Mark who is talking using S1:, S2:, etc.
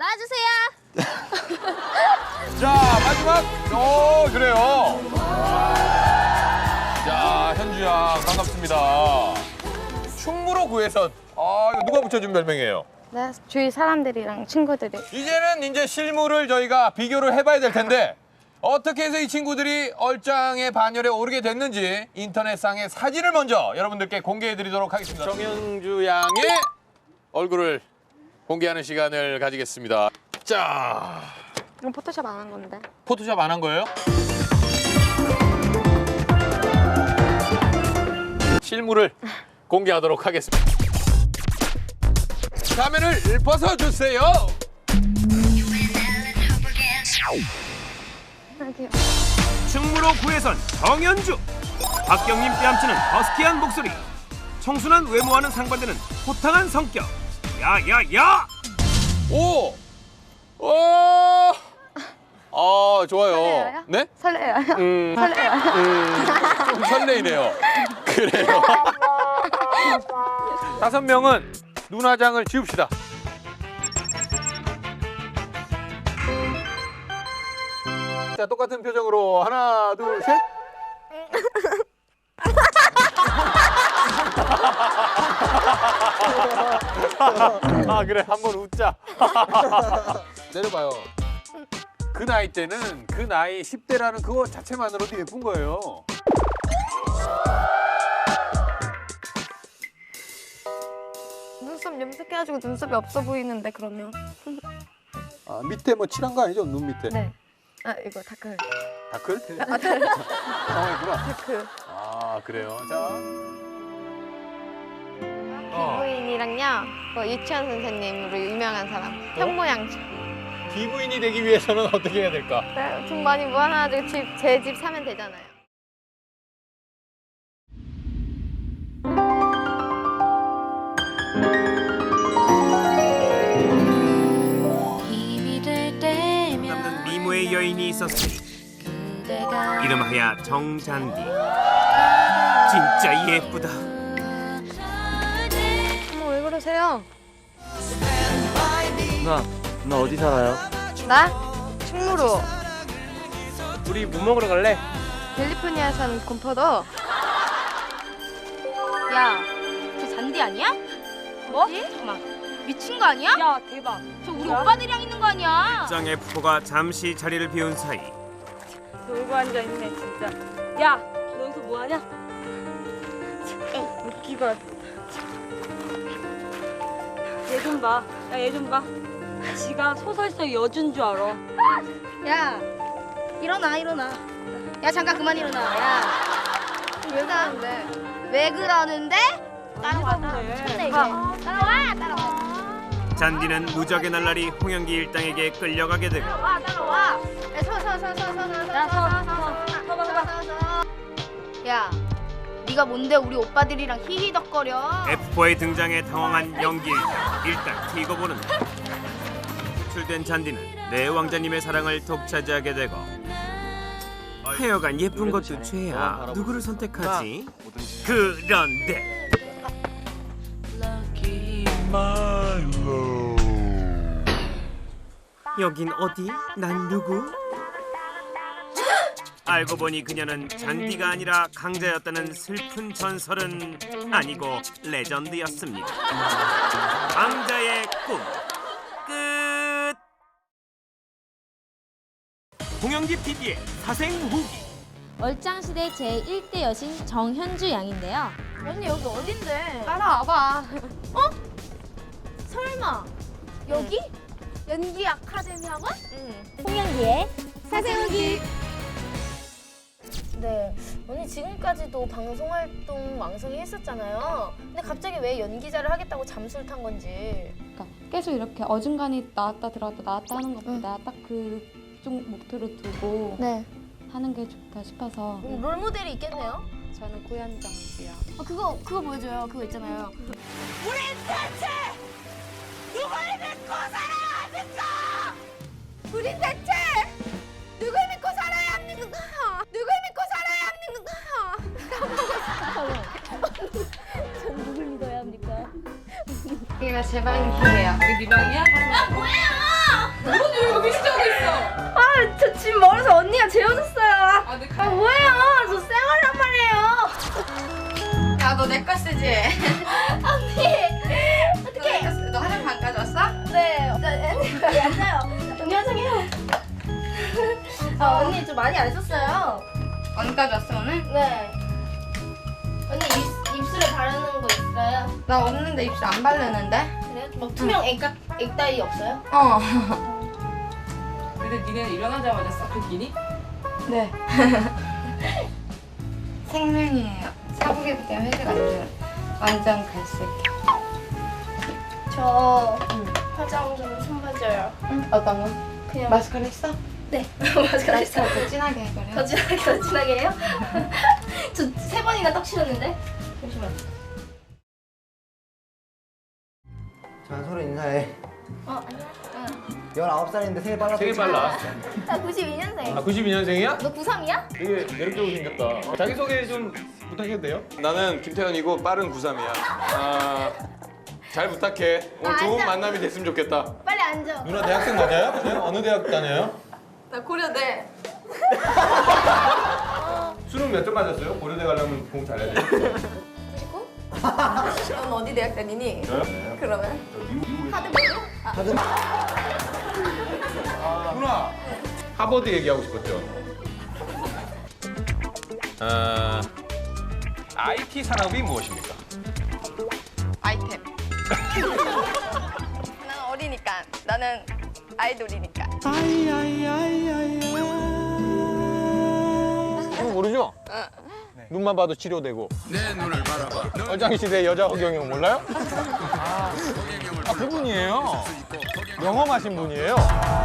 S1: 나와주세요.
S2: 자, 마지막. 그래요. 자, 현주 양 반갑습니다. 충무로 구에선. 이거 누가 붙여준 별명이에요?
S1: 네, 주위 사람들이랑 친구들이.
S2: 이제는 이제 실물을 저희가 비교를 해봐야 될 텐데 어떻게 해서 이 친구들이 얼짱의 반열에 오르게 됐는지 인터넷상의 사진을 먼저 여러분들께 공개해드리도록 하겠습니다. 정현주 양의 얼굴을 공개하는 시간을 가지겠습니다. 자,
S1: 이건 포토샵 안 한 건데.
S2: 포토샵 안 한 거예요? 실물을 공개하도록 하겠습니다. 화면을 벗어주세요.
S1: 여기요.
S3: 충무로 구에선 정현주. 박경림 뺨치는 허스키한 목소리. 청순한 외모와는 상반되는 호탕한 성격. 야야야!
S2: 오! 좋아요.
S1: 설레어요?
S2: 네?
S1: 설레요. 설레요.
S2: 좀 설레이네요. 그래요. 5명은 눈화장을 지웁시다. 자, 똑같은 표정으로 하나, 둘, 셋. 그래, 한번 웃자. 내려봐요. 그 나이 때는 그 나이 10대라는 그거 자체만으로도 예쁜 거예요.
S1: 눈썹 염색해가지고 눈썹이 없어 보이는데 그러면.
S2: 밑에 뭐 칠한 거 아니죠? 눈 밑에.
S1: 네. 이거 다크.
S2: 다클?
S1: 다크.
S2: 당황했구나.
S1: 다크.
S2: 그래요. 자.
S1: 부인이랑요. 유치원 선생님으로 유명한 사람. 현모양처.
S2: 기부인이 되기 위해서는 어떻게 해야 될까?
S1: 네, 돈 많이 모아놔가지고 제 집 사면 되잖아요.
S3: 남는 미모의 여인이 있었으니 이름하여 정잔디. 진짜 예쁘다.
S1: 어머, 왜 그러세요?
S4: 누나 어디 살아요?
S1: 나? 충무로.
S4: 우리 뭐 먹으러 갈래?
S1: 캘리포니아 산 곰포도.
S5: 야, 저 잔디 아니야? 뭐? 잠깐만, 미친 거 아니야? 야, 대박. 저 우리 오빠들이랑 있는 거 아니야?
S3: 짱의 푸포가 잠시 자리를 비운 사이
S5: 놀고 앉아있네, 진짜. 야, 너 여기서 뭐 하냐? 웃기다. 얘 좀 봐. 야, 얘 좀 봐. 지가 소설서 여준 줄 알아.
S1: 야, 일어나. 야, 잠깐 그만 일어나. 야, 왜 그러는데? 왜 그러는데? 따라와. 미쳤네, 이게. 따라와.
S3: 잔디는 무적의 날라리 홍영기 일당에게 끌려가게 되고
S1: 따라와. 야, 서. 야, 네가 뭔데 우리 오빠들이랑 히히덕거려?
S3: F4의 등장에 당황한 연기 일당 튀고 보는다. 출된 잔디는 내 왕자님의 사랑을 독차지하게 되고 하여간 예쁜 것도 죄야. 누구를 선택하지? 그런데 여긴 어디? 난 누구? 알고 보니 그녀는 잔디가 아니라 강자였다는 슬픈 전설은 아니고 레전드였습니다. 강자의 꿈 끝. 홍영기 PD의 사생 후기.
S6: 얼짱시대 제1대 여신 정현주 양인데요.
S1: 언니 여기 어딘데? 따라와봐.
S6: 설마 여기?
S1: 연기 아카데미 학원?
S6: 홍영기의 사생 후기.
S1: 네, 언니 지금까지도 방송 활동 왕성히 했었잖아요. 근데 갑자기 왜 연기자를 하겠다고 잠수를 탄 건지.
S7: 그러니까 계속 이렇게 어중간히 나왔다 들어왔다 나왔다 하는 것보다 딱 그쪽 목표로 두고
S1: 네.
S7: 하는 게 좋다 싶어서
S1: 롤 모델이 있겠네요.
S7: 저는 고현정 씨요.
S1: 그거 보여줘요. 그거 있잖아요. 우린 대체 누굴 믿고 살아야 합니까? 누굴 믿고 살아야 합니까?
S6: 전 누굴 믿어야 합니까?
S1: 이게 제 방이에요. 이게 네 방이야?
S5: 뭐예요? 저 집 멀어서 언니가 재워줬어요. 뭐예요? 저 쌩얼란 말이에요.
S8: 야, 너 내 거 쓰지?
S5: 언니.
S8: 어떻게? 너 화장품 안 가져왔어?
S5: 네. 앉아요. 언니 화장해요. 언니 좀 많이 안 썼어요.
S8: 안 가져왔어, 오늘?
S5: 네. 언니 입술에 바르는 거 있어요?
S8: 나 없는데 입술 안 바르는데?
S5: 그래요? 막 투명 액다이 없어요?
S8: 어.
S9: 근데 니네 일어나자마자 싹 끼니?
S8: 네. 생명이에요. 사복이기 때문에 회색 안 줘요. 완전 갈색.
S5: 저 화장 좀 손봐줘요.
S8: 어떤 거?
S5: 그냥
S8: 마스카라 했어?
S5: 네. 마스카라 했어요.
S8: 더 진하게 해버려.
S5: 더 진하게 해요? 저 3번이나 떡 씌웠는데? 잠시만.
S10: 자, 서로 인사해.
S5: 안녕.
S10: 19살인데 생일 빨랐어.
S2: 되게 빨라.
S5: 나 92년생.
S2: 아 92년생이야?
S5: 너 93이야?
S2: 되게 매력적으로 생겼다. 자기소개 좀 부탁해도 돼요? 나는 김태현이고 빠른 93이야. 잘 부탁해. 오늘 좋은
S5: 맞아.
S2: 만남이 됐으면 좋겠다.
S5: 빨리 앉아.
S2: 누나 대학생 맞아요? 네? 어느 대학 다녀요?
S8: 나 고려대.
S2: 수능 몇 점 맞았어요? 고려대 가려면 공부 잘해야 돼.
S8: 넌 어디 대학 다니니? 그러면?
S2: 누나 하버드 얘기하고 싶었죠. IT 산업이 무엇입니까?
S8: 아이템. 난 어리니까. 나는 아이돌이니까.
S2: 이거 모르죠? 눈만 봐도 치료되고. 내 눈을 바라봐. 얼짱시대 여자 허경영 몰라요? 그분이에요. 영험하신 분이에요.